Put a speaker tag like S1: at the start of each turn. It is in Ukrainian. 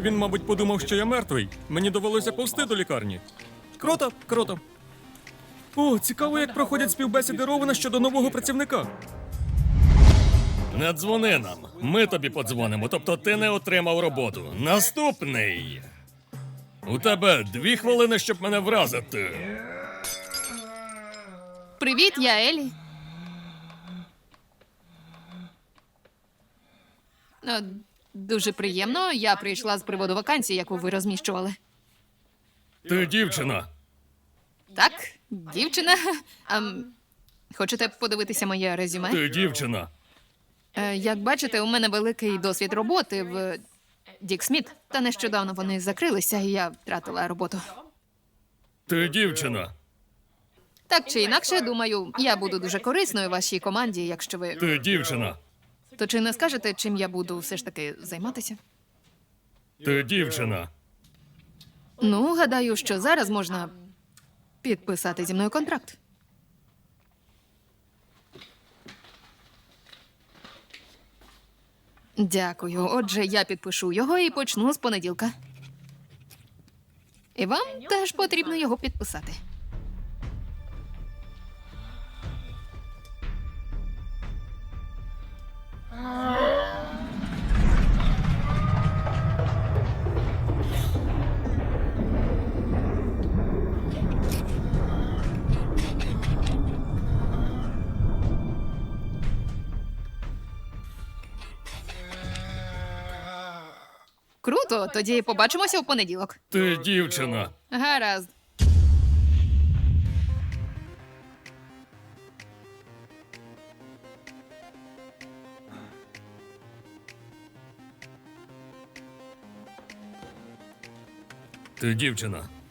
S1: Він, мабуть, подумав, що я мертвий. Мені довелося повзти до лікарні. Круто, круто. О, цікаво, як проходять співбесіди Ровена щодо нового працівника. Не дзвони нам. Ми тобі подзвонимо, тобто ти не отримав роботу. Наступний. У тебе 2 хвилини, щоб мене вразити.
S2: Привіт, я Елі. Дуже приємно. Я прийшла з приводу вакансії, яку ви розміщували.
S1: Ти дівчина.
S2: Так, дівчина. Хочете подивитися моє резюме?
S1: Ти дівчина.
S2: Як бачите, у мене великий досвід роботи в Дік Сміт. Та нещодавно вони закрилися, і я втратила роботу.
S1: Ти дівчина.
S2: Так чи інакше, думаю, я буду дуже корисною вашій команді, якщо ви...
S1: Ти дівчина.
S2: То чи не скажете, чим я буду все ж таки займатися?
S1: Ти дівчина.
S2: Ну, гадаю, що зараз можна підписати зі мною контракт. Дякую. Отже, я підпишу його і почну з понеділка. І вам теж потрібно його підписати. Круто, тоді побачимося в понеділок.
S1: Ти дівчина.
S2: Гаразд.
S1: Ти дівчина.